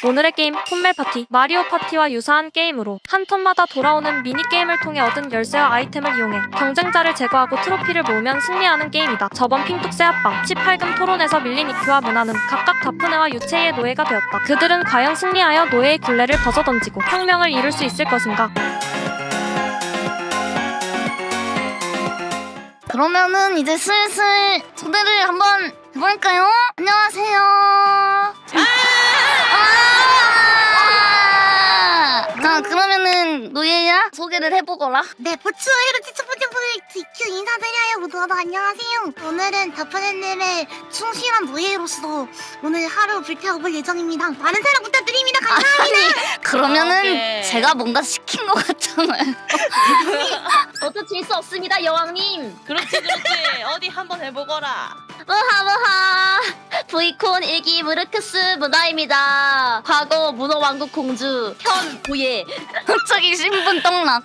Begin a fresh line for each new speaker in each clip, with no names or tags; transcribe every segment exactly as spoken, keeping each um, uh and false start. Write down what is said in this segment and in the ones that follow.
오늘의 게임 폰멜 파티. 마리오 파티와 유사한 게임으로 한 턴마다 돌아오는 미니게임을 통해 얻은 열쇠와 아이템을 이용해 경쟁자를 제거하고 트로피를 모으면 승리하는 게임이다. 저번 핑뚝새 합방 십팔 금 토론에서 밀린 이큐와 문화는 각각 다프네와 유체이의 노예가 되었다. 그들은 과연 승리하여 노예의 굴레를 벗어던지고 혁명을 이룰 수 있을 것인가?
그러면은 이제 슬슬 초대를 한번 해볼까요? 안녕하세요. 아! 자, 그러면은 노예야 소개를 해보거라.
네, 보츠웨이로 첫 번째 프로젝트 이큐 인사드려요. 모두 안녕하세요. 오늘은 다프네님의 충실한 노예로서 오늘 하루 불태워볼 예정입니다. 많은 사랑 부탁드립니다. 감사합니다.
아니, 그러면은
아, 오케이.
제가 뭔가 시킨 것 같잖아요.
저도 질 수 없습니다, 여왕님.
그렇지 그렇지 어디 한번 해보거라.
뭐하 뭐하. 브이콘 일기 무르크스 문화입니다. 과거 문어왕국 공주 현 보예.
갑자기 신분 떡락.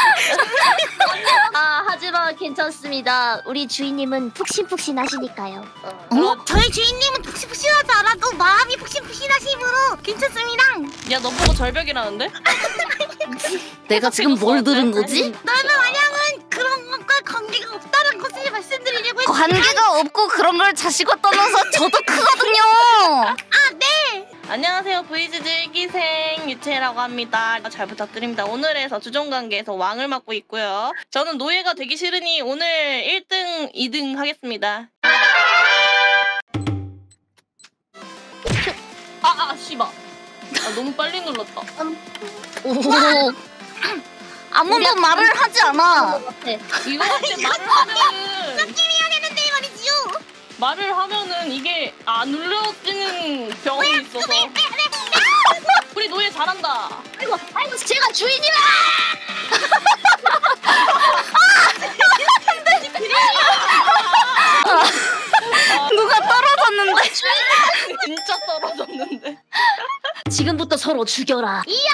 아 하지만 괜찮습니다. 우리 주인님은 푹신푹신하시니까요.
어? 저희 주인님은 푹신푹신하지 않아도 마음이 푹신푹신하심으로 괜찮습니다.
야 너 보고 절벽이라는데?
내가 지금 뭘 들은 거지?
넓은 완양은 그런 것과 관계가 없다는 것을 말씀드리려고 했습니다.
관계가 없고 그런 걸 자시고 떠나서 저도 크거든요.
아, 네.
안녕하세요 브이즈즈 일기생 유채라고 합니다. 잘 부탁드립니다. 오늘에서 주종관계에서 왕을 맡고 있고요. 저는 노예가 되기 싫으니 오늘 일 등, 이 등 하겠습니다. 아아 씨발 아, 너무 빨리 눌렀다.
오. 아무도 말을 하지 않아.
이거 할때 말을 하면은
느낌이 해야 되는데 말이지요.
말을 하면은 이게 안 눌러지는 병이 있어서. 우리 노예 잘한다.
아이고 아이고 제가 주인이라.
누가 떨어졌는데?
진짜 떨어졌는데.
지금부터 서로 죽여라. 이야.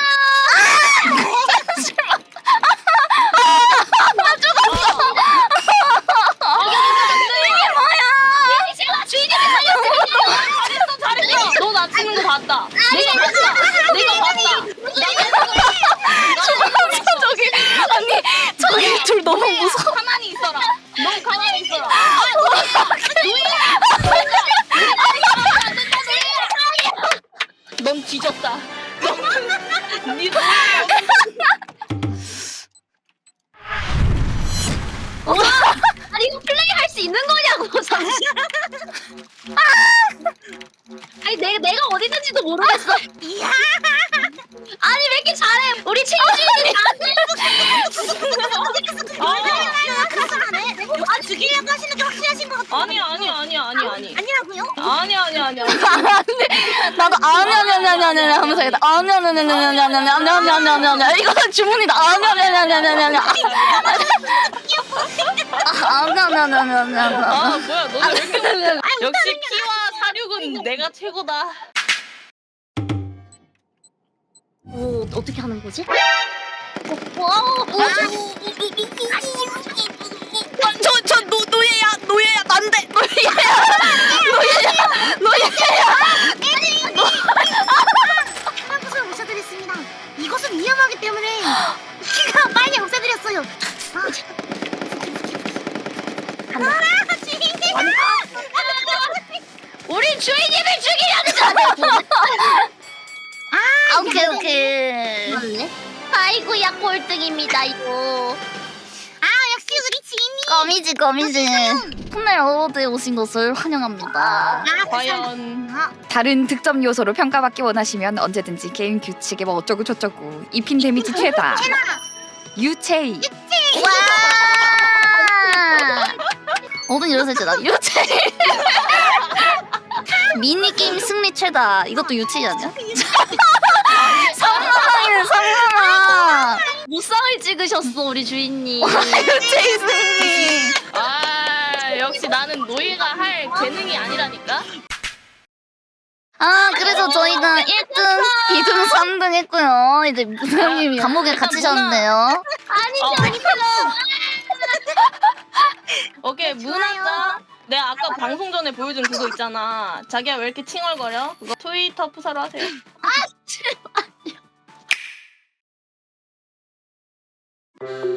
잘했어 잘했어. 너 나 치는 거 봤다. 내가 봤다. 내가 봤다.
저기 아니 저기 둘 너무 무서워.
가만히 있어라. 너 가만히 있어라. 넌 뒤졌다. 넌 니
아니 이거 플레이 할 수 있는 거냐고 잠시. 아니 내가 내가 어디 있는지도 모르겠어.
이야.
아니 왜 이렇게 잘해? 우리 친구 주인님이 나한테.
아, 죽이려고 하시는 게 확실하신 것 같아요.
아니야 아니야 아니야 아니야 아니.
아니라고요?
아니야 아니야 아니야.
나도 아니 아니 아니 아니 아니 하면서 했다. 아니 아니 아니 아니 아니 아니 아니 아니 아니 아니 아니 아니 이거는 주문이다. 아니 아니 아니 아니 아니 아니 아니 아니 아니 아니 아니 아니
아 뭐야 너는 왜 이렇게 못해? 역시 피와 사륙은 내가 최고다.
오 어떻게 하는 거지? 와,
저저 노 노예야 노예야 난데 노예야 노예야 노예야
한국을 없애드렸습니다. 이것은 위험하기 때문에 키가 빨리 없애드렸어요. 아, 아, 주인님.
우리 주인님을 죽이려는
아 오케이 오케이.
거네. 아이고야 꼴등입니다 이거.
아, 역시 우리 주인님.
거미지 거미지. 폰멜 어워드에 오신 것을 환영합니다.
아,
과연
아,
다른 득점 요소로 평가받기 원하시면 언제든지 게임 규칙에 뭐 어쩌고 저쩌고 입힌 데미지 최다 유체이
와. 어든 이러세요. 유체. 미니 게임 승리 최다. 이것도 유체 아니야? 상상이네 상상아.
무쌍을 찍으셨어 우리 주인님.
유체 승리.
아 역시 나는 노예가 할 재능이 아니라니까.
아 그래서 저희가 일 등, 이 등, 삼 등 했고요. 이제 무사님이 감옥에 갇히셨는데요.
아니죠 아니죠.
오케이 문화자. 내가 아까 방송 전에 보여준 그거 있잖아. 자기야 왜 이렇게 칭얼거려? 그거 트위터 푸사로 하세요.
아